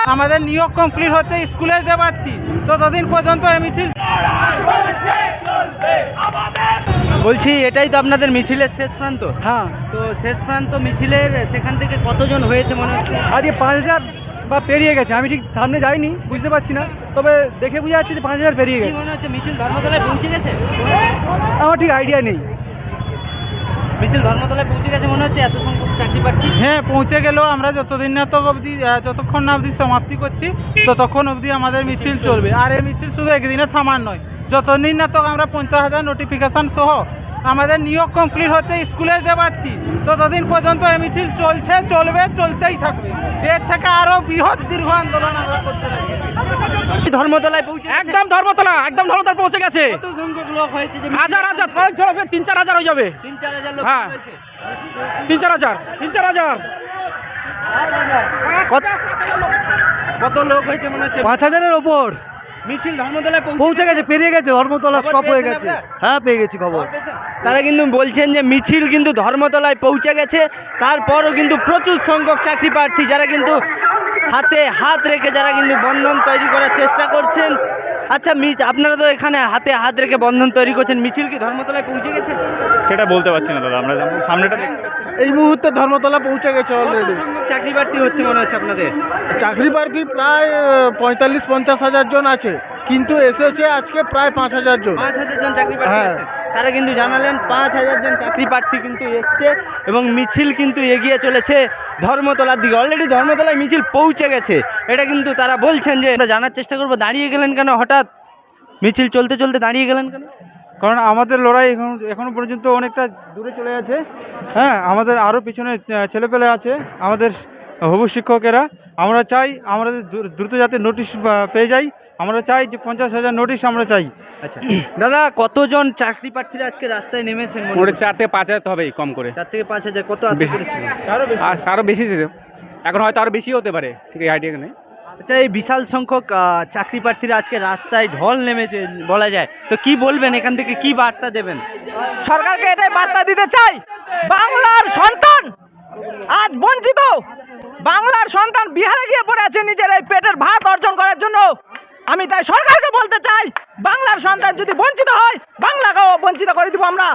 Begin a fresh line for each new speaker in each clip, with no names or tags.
আমাদের নিয়োগ কমপ্লিট হচ্ছে, স্কুলে যেতে পারছি, ততদিন পর্যন্ত এই মিছিল।
বলছি এটাই তো আপনাদের মিছিলের শেষ প্রান্ত?
হ্যাঁ,
তো শেষ প্রান্ত মিছিলের সেখান থেকে কতজন হয়েছে মনে হচ্ছে?
আজকে 5000 বা পেরিয়ে গেছে। আমি ঠিক সামনে যাইনি, বুঝতে পারছি না, তবে দেখে বুঝে যাচ্ছে যে 5000 পেরিয়ে
কি
গেছে।
মনে হচ্ছে মিছিল ধর্মতলায় পৌঁছে গেছে?
আমার ঠিক আইডিয়া নেই।
মিছিল ধর্মতলায় পৌঁছে গেছে মনে হচ্ছে, এত সংখ্যক চাকরি প্রার্থী।
হ্যাঁ, পৌঁছে গেলেও আমরা যতদিন না তো অবধি, যতক্ষণ না অবধি সমাপ্তি করছি ততক্ষণ অবধি আমাদের মিছিল চলবে। আর এই মিছিল শুধু একদিনে থামার নয়, যতদিন না তো আমরা 50,000 নোটিফিকেশান সহ আমাদের নিয়োগ কমপ্লিট হচ্ছে, স্কুলে যেতে পারছি, ততদিন পর্যন্ত এই মিছিল চলছে, চলবে, চলতেই থাকবে। এর থেকে আরও বৃহৎ দীর্ঘ আন্দোলন আমরা করতে থাকি।
ধর্মতলায় পৌঁছে
একদম ধর্মতলা পৌঁছে গেছে।
কত সংখ্যক লোক হয়েছে? যে
হাজার কয়েক জন হবে, 3-4 হাজার হয়ে যাবে।
3-4 হাজার লোক
হ্যাঁ।
হয়েছে।
3-4 হাজার।
কত লোক হয়েছে মনে হচ্ছে?
5000-এর ওপর
মিছিল ধর্মতলায়
পৌঁছে গেছে, পেরিয়ে গেছে, ধর্মতলা
খবর
স্টপ হয়ে
পেয়েছেন
গেছে।
আপনারা?
হ্যাঁ, পেয়ে গেছি খবর।
তারা কিন্তু বলছেন যে মিছিল কিন্তু ধর্মতলায় পৌঁছে গেছে, তারপরও কিন্তু প্রচুর সংখ্যক চাকরি প্রার্থী যারা কিন্তু হাতে হাত রেখে যারা কিন্তু বন্ধন তৈরি করার চেষ্টা করছেন। আচ্ছা, আপনারা তো এখানে হাতে হাত রেখে বন্ধন তৈরি করছেন, মিছিল কি ধর্মতলায় পৌঁছে গেছে?
সেটা বলতে পারছি না দাদা, আমরা সামনেটা দেখতে পাচ্ছি।
এই মুহূর্তে ধর্মতলা পৌঁছে গেছে
কত
অলরেডি।
সংখ্যক চাকরি প্রার্থী হচ্ছে মনে হচ্ছে আপনাদের?
চাকরি প্রার্থী প্রায় 45-50 হাজার জন আছে, কিন্তু এসেছে আজকে প্রায় 5000 জন।
5,000 জন চাকরি প্রার্থী
হ্যাঁ।
এসেছে। তারা কিন্তু জানালেন 5,000 জন চাকরি প্রার্থী কিন্তু এসছে এবং মিছিল কিন্তু এগিয়ে চলেছে ধর্মতলার দিকে। অলরেডি ধর্মতলায় মিছিল পৌঁছে গেছে, এটা কিন্তু তারা বলছেন। যে আমরা জানার চেষ্টা করবো, দাঁড়িয়ে গেলেন কেন হঠাৎ? মিছিল চলতে চলতে দাঁড়িয়ে গেলেন কেন?
কারণ আমাদের লড়াই এখনো পর্যন্ত অনেকটা দূরে চলে আছে। হ্যাঁ, আমাদের আরও পিছনে ছেলেপেলে আছে, আমাদের হবু শিক্ষকেরা। আমরা চাই আমাদের দ্রুত যাতে নোটিশ পেয়ে যাই। আমরা চাই যে 50,000 নোটিশ আমরা চাই।
আচ্ছা দাদা, কতজন চাকরি প্রার্থীরা আজকে রাস্তায় নেমেছেন?
মোটে 4 থেকে 5 হাজার তো হবেই, কম করে।
4 থেকে 5,000 কত আশা
বেশি।
করেছিলেন?
আরও বেশি ছিল, এখন হয়তো আরও বেশি হতে পারে, ঠিক এই আইডিয়া নেই।
আচ্ছা, এই বিশাল সংখ্যক চাকরি প্রার্থীরা আজকে রাস্তায় ঢল নেমেছে বলা যায়, তো কি বলবেন? এখান থেকে কি বার্তা দেবেন?
সরকারকে এটাই বার্তা দিতে চাই, বাংলার সন্তান আজ বঞ্চিত। বাংলার সন্তান বিহারে গিয়ে পড়ে আছে নিজের এই পেটের ভাত অর্জন করার জন্য। আমি তাই সরকারকে বলতে চাই, বাংলার সন্তান যদি বঞ্চিত হয়, বাংলাকেও বঞ্চিত করে দিব আমরা।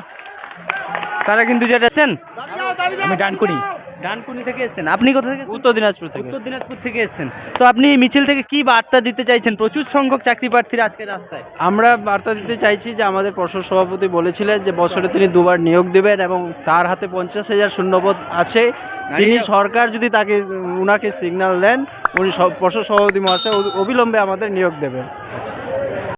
তারা কিন্তু যেটা এসেছেন,
আমি
ডানকুনি থেকে এসেছেন। আপনি কোথা থেকে?
উত্তর দিনাজপুর থেকে।
উত্তর দিনাজপুর থেকে এসেছেন। তো আপনি এই মিছিল থেকে কি বার্তা দিতে চাইছেন? প্রচুর সংখ্যক চাকরি প্রার্থীরা আজকে রাস্তায়।
আমরা বার্তা দিতে চাইছি যে আমাদের পর্ষদ সভাপতি বলেছিলেন যে বছরে তিনি 2বার নিয়োগ দেবেন এবং তার হাতে 50,000 শূন্যপদ আছে। তিনি সরকার যদি উনাকে সিগন্যাল দেন, উনি পর্ষদ সভাপতি মহাশয় অবিলম্বে আমাদের নিয়োগ দেবেন।